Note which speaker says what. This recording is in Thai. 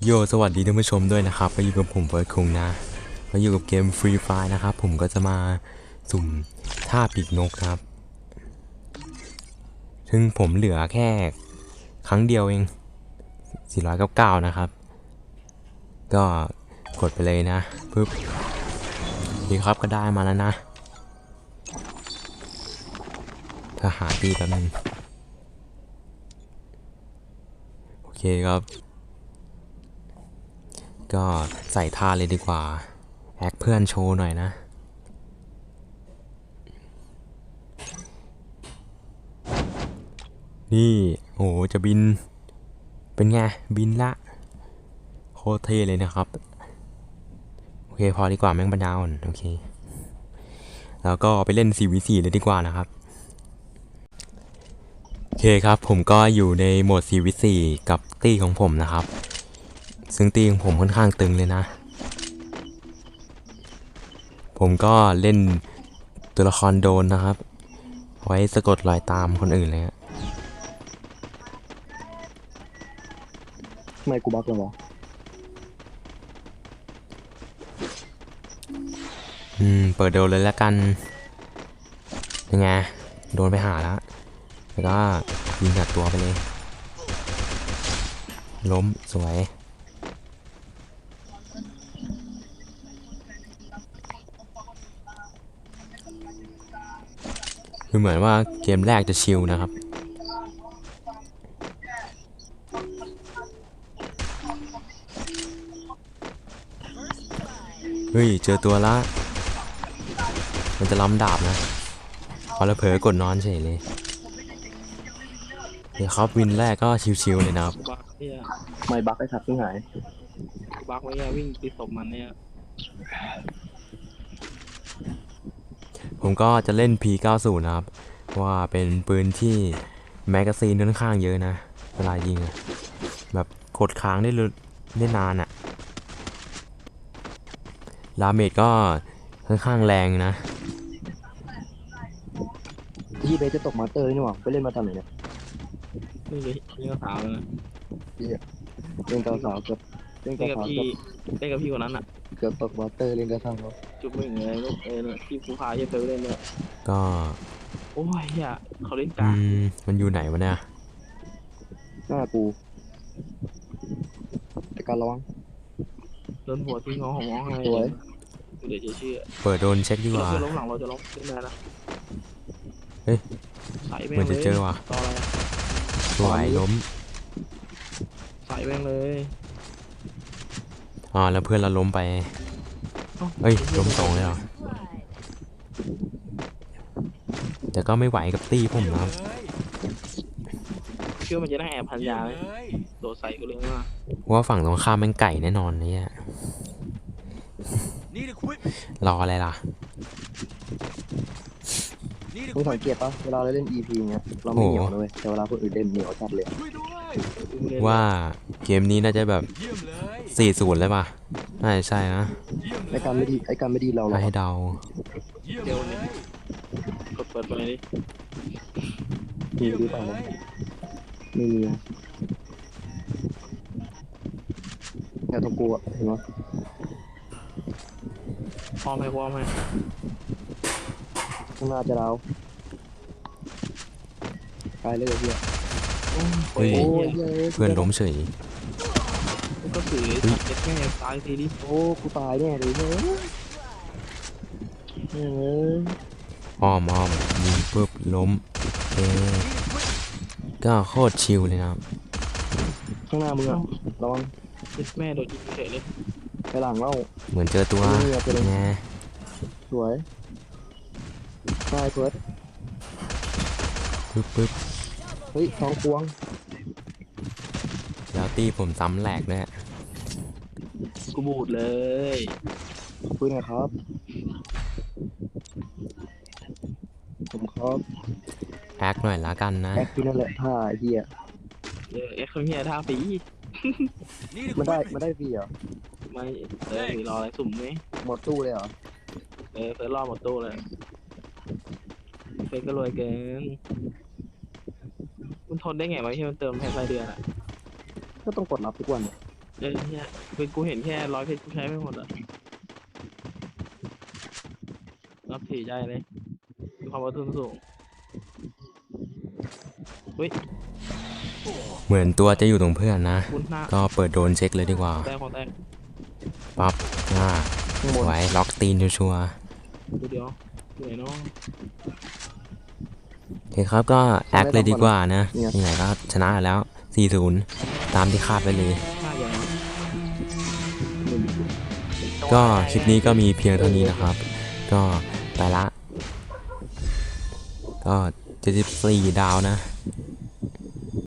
Speaker 1: โยสวัสดีท่านผู้ชมด้วยนะครับก็อยู่กับผมเฟิร์สคุงนะก็อยู่กับเกม Free Fire นะครับผมก็จะมาสุ่มท่าปีกนกครับซึ่งผมเหลือแค่ครั้งเดียวเอง499นะครับก็กดไปเลยนะปึ๊บดีครับก็ได้มาแล้วนะถ้าหาตีแป๊บนึงโอเคครับก็ใส่ท่าเลยดีกว่าแอคเพื่อนโชว์หน่อยนะนี่โอ้จะบินเป็นไงบินละโคตรเท่เลยนะครับโอเคพอดีกว่าแม่งปัญญาอ่อนโอเคแล้วก็ไปเล่น 4v4 เลยดีกว่านะครับโอเคครับผมก็อยู่ในโหมด 4v4 กับตี้ของผมนะครับซึ่งตี้ของผมค่อนข้างตึงเลยนะผมก็เล่นตัวละครโดนนะครับไว้สะกดรอยตามคนอื่นเลยฮะ
Speaker 2: ทำไมกูบักเลยวะ
Speaker 1: เปิดโดนเลยแล้วกันยังไงโดนไปหาแล้วแล้วก็ยิงกัดตัวไปเลยล้มสวยคือเหมือนว่าเกมแรกจะชิลนะครับเฮ้ยเจอตัวละมันจะล้ำดาบนะพอแล้วเผลอกดนอนเฉยเลยเดี๋ยวครับวินแรกก็ชิลๆเลยนะครับ
Speaker 3: บักเนี่ย
Speaker 2: ไม่บักไอ้สัตว์ที่หาย
Speaker 3: บักไว้เนี่ยวิ่งตีศพมันเนี่ย
Speaker 1: ผมก็จะเล่น P90 นะครับว่าเป็นปืนที่แมกกาซีนค่อนข้างเยอะนะเวลายิงอะแบบกดค้างได้นานอะดาเมจก็ค่อนข้างแรงนะ
Speaker 2: ที่เบสจะตกมาสเตอร์นี่หว่าไปเล่นมาตอนไหนเนี่ย
Speaker 3: นี่เลยนี่ก็สาวเลยนะ
Speaker 2: เล่นกับสาวเกือบเล่น
Speaker 3: เล่
Speaker 2: กับ
Speaker 3: นกับ
Speaker 2: สาว
Speaker 3: พี่เล่นกับพี่คนนั้นอ่ะ
Speaker 2: เกือบตกมาสเตอร์เล่นกับสาว
Speaker 3: จุ๊บมึงเลยลูกเนี่ยที่ภูพาเยอะไปเล่นเนี่ย
Speaker 1: ก็
Speaker 3: โอ้ยอย่าเขาเล่นกาก
Speaker 1: มันอยู่ไหนวะเนี่ย
Speaker 2: หน้ากูแต่การระวัง
Speaker 3: โดนหัวที่งอของมองให้
Speaker 2: สวย
Speaker 3: เดี๋ยวจะเชื่อ
Speaker 1: เปิดโดนเช็คดีก
Speaker 3: เรา
Speaker 1: ว่า
Speaker 3: จะล้มหลังเราจะล้มเล่นได้นะ
Speaker 1: เฮ้ย
Speaker 3: ใส่แม่
Speaker 1: เหมือน
Speaker 3: งเล
Speaker 1: จะ
Speaker 3: ย
Speaker 1: เจอว่ะ
Speaker 3: ต่ออะไร
Speaker 1: สวยล้ม
Speaker 3: ใส่แม่งเลย
Speaker 1: แล้วเพื่อนเราล้มไปเฮ้ยล้มสองเลยเหรอแต่ก็ไม่ไหวกับตี้ผมนะครับ
Speaker 3: เชื่อมันจะได้แอบพันยาไหมโดดใส่กูเลยว่า
Speaker 1: ว่าฝั่งตรงข้ามแม่งไก่แน่นอนเนี่ยรออะไรล่ะ
Speaker 2: มึงสังเกตปะเวลาเราเล่น EP เนี้ยเราไม่เหนียวนะเลยแต่เวลาคนอื่นเล่นเหนียวจัดเลย
Speaker 1: ว่าเกมนี้น่าจะแบบ40เลยป่ะน่าจะใช่นะ
Speaker 2: ไอ้การไม่ดีเราหรอ
Speaker 1: ให้เดา
Speaker 3: เดี๋ยวนี้กดเปิดไปเลยดิ
Speaker 2: มีหรือเปล่าวะไม่มีเนี่ยตรงกูอะเห็นปะ
Speaker 3: พร้อมไหมพร้อมไหม
Speaker 2: ข้างหน้าจะเราตายเลยเฮีย
Speaker 1: เฮ้ย
Speaker 2: โอ้ย
Speaker 1: เพื่อนล้มเฉย
Speaker 3: ก็สื่อเจ็ดแม่ตายทีดิ
Speaker 2: โอ้กูตายแน่เลยเฮ้ยเฮ้ย
Speaker 1: อ้อมยิงปุ๊บล้มก็โคตรชิลเลยนะครับ
Speaker 2: ข้างหน้ามึงอะระวัง
Speaker 3: เจ็ดแม่โดดยิงเฉยเลย
Speaker 2: ไปหลังเล่า
Speaker 1: เหมือนเจอตัว
Speaker 2: เรือไปเลย
Speaker 1: ไง
Speaker 2: สวยใช่เฟิร์ส
Speaker 1: ปึ๊บ
Speaker 2: เฮ้ยท้องควง
Speaker 1: แล้วตีผมซ้ำแหลกด้วย
Speaker 3: กูบูดเลย
Speaker 2: คุยหน่อยครับผมครับ
Speaker 1: แอคหน่อยละกันนะ
Speaker 2: แอคที่นั่นแหละท่าไอ้เฮีย
Speaker 3: เอ็กซ์เฮียท่าฝี
Speaker 2: มันได้ฟรีเหรอ
Speaker 3: ไม่ฝีรออะไรสุ่มไหม
Speaker 2: หมดตู้เลยเหรอ
Speaker 3: เฟิร์สรอบหมดตู้เลยเฟิร์สก็รวยเกินมันทนได้ไงวะที่มันเติมแค่รายเดือนอ่ะ
Speaker 2: ก็ต้องกดรับทุกวันเนี่ย
Speaker 3: เนี่ยคือกูเห็นแค่100 เพชรกูใช้ไม่หมดอ่ะนับถือใจเลยมีความอดทนสูงเฮ้ย
Speaker 1: เหมือนตัวจะอยู่ตรงเพื่อนนะ
Speaker 3: คุณหน้า
Speaker 1: ก็เปิดโดรนเช็คเลยดีกว่า
Speaker 3: แตกของแตก
Speaker 1: ปั๊บ
Speaker 2: ข้างบน
Speaker 1: ไว้ล็อกตีนชัวร์
Speaker 3: ดูเดียวเหนื่อยเนาะ
Speaker 1: ๆโอเคครับก็แอคเลยดีกว่านะยังไงก็ชนะแล้ว 4-0 ตามที่คาดไว้เลย
Speaker 3: หน้าอย่างนั้น
Speaker 1: ก็คลิปนี้ก็มีเพียงเท่านี้นะครับ ก็ไปละ ก็74 ดาวนะ